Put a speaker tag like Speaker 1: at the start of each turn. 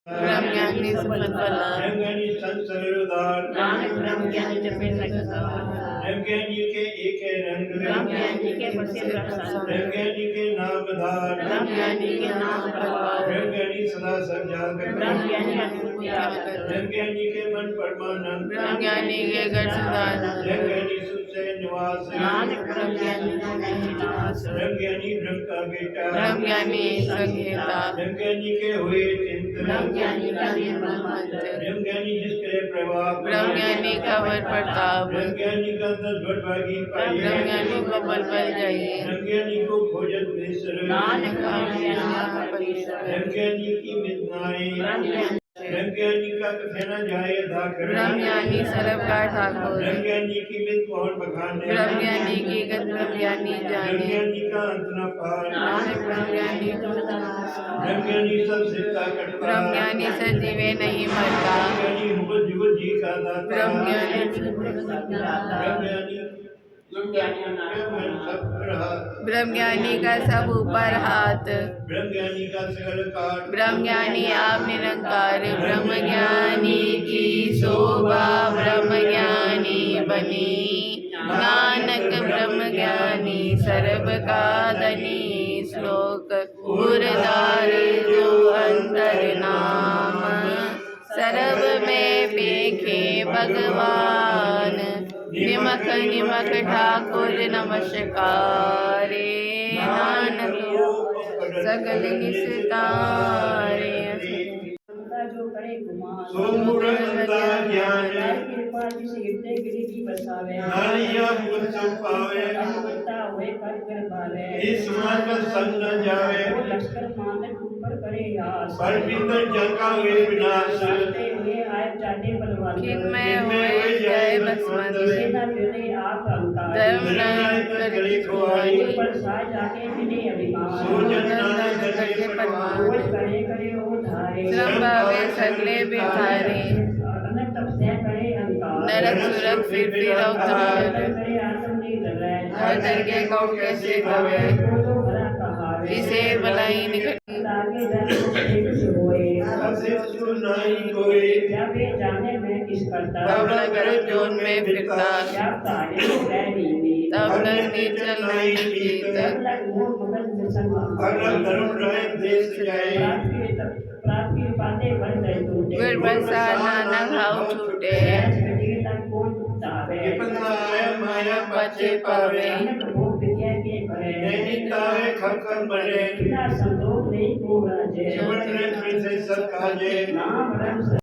Speaker 1: ब्रह्म ज्ञानी सफल फला
Speaker 2: ब्रह्म ज्ञानी संसार उदार
Speaker 1: नानक ब्रह्म ज्ञानी जपे सकता
Speaker 2: ब्रह्म ज्ञानी के एक रंग
Speaker 1: ब्रह्म ज्ञानी के बसे
Speaker 2: ब्रह्म ज्ञानी के नाम धार
Speaker 1: ब्रह्म ज्ञानी के नाम प्रभाव
Speaker 2: ब्रह्म ज्ञानी सदा सब जागर
Speaker 1: ब्रह्म ज्ञानी अनुभूति आकर
Speaker 2: ब्रह्म ज्ञानी के मन परमानंद
Speaker 1: ब्रह्म ज्ञानी के घर सदानंद
Speaker 2: ब्रह्म ज्ञानी सुख से निवास
Speaker 1: नानक ब्रह्म ज्ञानी निवास
Speaker 2: ब्रह्म ज्ञानी ब्रह्म का बेटा
Speaker 1: ब्रह्म ज्ञानी संहिता
Speaker 2: ब्रह्म ज्ञानी के हुए चिंतन
Speaker 1: ब्रह्म ज्ञानी का निर्मल मंत्र
Speaker 2: ब्रह्म ज्ञानी जिसके प्रभाव
Speaker 1: ब्रह्म ज्ञानी का वर प्रताप
Speaker 2: ब्रह्म ज्ञानी का 10 भागी
Speaker 1: ब्रह्म ज्ञानी को बल बल जाइए
Speaker 2: ब्रह्म ज्ञानी को भोजन बेसर
Speaker 1: नानक ब्रह्म ज्ञानी
Speaker 2: ब्रह्म ज्ञानी की मितनाएं ब्रह्म ज्ञानी का कहना जाए धाकर
Speaker 1: ब्रह्म ज्ञानी सरब का ठाकुर
Speaker 2: ब्रह्म ज्ञानी की मित मोहन बखाने
Speaker 1: ब्रह्म ज्ञानी की गत ब्रह्म ज्ञानी
Speaker 2: ब्रह्म
Speaker 1: जाने
Speaker 2: ज्ञानी का अंत न पार
Speaker 1: नानक ब्रह्म ज्ञानी
Speaker 2: ब्रह्म ज्ञानी सब सिद्धा कटता
Speaker 1: ब्रह्म ज्ञानी सजीवे नहीं मरता
Speaker 2: ब्रह्म ज्ञानी मुकुट जुगत जी का दाता
Speaker 1: ब्रह्म ज्ञानी
Speaker 2: ब्रह्म ज्ञानी
Speaker 1: ब्रह्म ज्ञानी का सब ऊपर हाथ
Speaker 2: ब्रह्म ज्ञानी का सकल काट
Speaker 1: ब्रह्म ज्ञानी आप निरंकार ब्रह्म ज्ञानी की शोभा ब्रह्म ज्ञानी बनी नानक ब्रह्म ज्ञानी सर्व का धनी श्लोक उरदार जो अंतर नाम सर्व में पेखे भगवान निमक निमक ठाकुर नमस्कारे नानक सकल निस्तारे
Speaker 3: जो करे
Speaker 2: सोमुरंता ज्ञान
Speaker 3: कृपा जिसे हृदय गिरिजी बसावे
Speaker 2: नारिया मुझ पावे
Speaker 3: अनुगता हुए कर कर पावे
Speaker 2: इस मन संग न जावे
Speaker 3: वो लश्कर मानक ऊपर करे आस
Speaker 2: पर भीतर जगा हुए विनाश
Speaker 3: जाते हुए आए जाते बलवान
Speaker 1: किन्मय होए जय बसवंत
Speaker 3: सेना फिरे आप अंकार
Speaker 1: धर्म नायक करके खुआई
Speaker 3: पर साय जाके मिले अभिमान
Speaker 2: सोजन नानक करके
Speaker 1: परमान
Speaker 3: बोल करे करे वो धारे
Speaker 1: श्रम भावे सगले बिहारी
Speaker 3: अनंत तपस्या करे अंकार
Speaker 1: नरक सुरक फिर अवतार
Speaker 3: करे आत्म नहीं डर
Speaker 1: हर दरगे को कैसे कवे
Speaker 3: जो भरा कहावे
Speaker 1: इसे भलाई निकट
Speaker 3: लागे जाने कुछ होए
Speaker 2: ऐसे सुनाई कोई
Speaker 3: जब ये जाने में किस करता
Speaker 1: तब लगर जोन में फिरता
Speaker 3: क्या तारे रैनी में
Speaker 1: तब लग नीचल नहीं जीत
Speaker 3: तब लग मोर मगन में संग
Speaker 2: अगर धर्म रहे देश जाए
Speaker 3: प्राप्त की बातें बन गए टूटे
Speaker 1: गुर बरसाना न घाव छूटे
Speaker 3: कटी तक कोई तावे
Speaker 2: विपन्ना आया माया
Speaker 1: बचे पावे
Speaker 3: अनंत भोग विद्या के करे
Speaker 2: नैनितावे खकर मरे
Speaker 3: बिना संतोष नहीं को राजे
Speaker 2: जीवन में फिर से सब काजे
Speaker 3: नाम रंग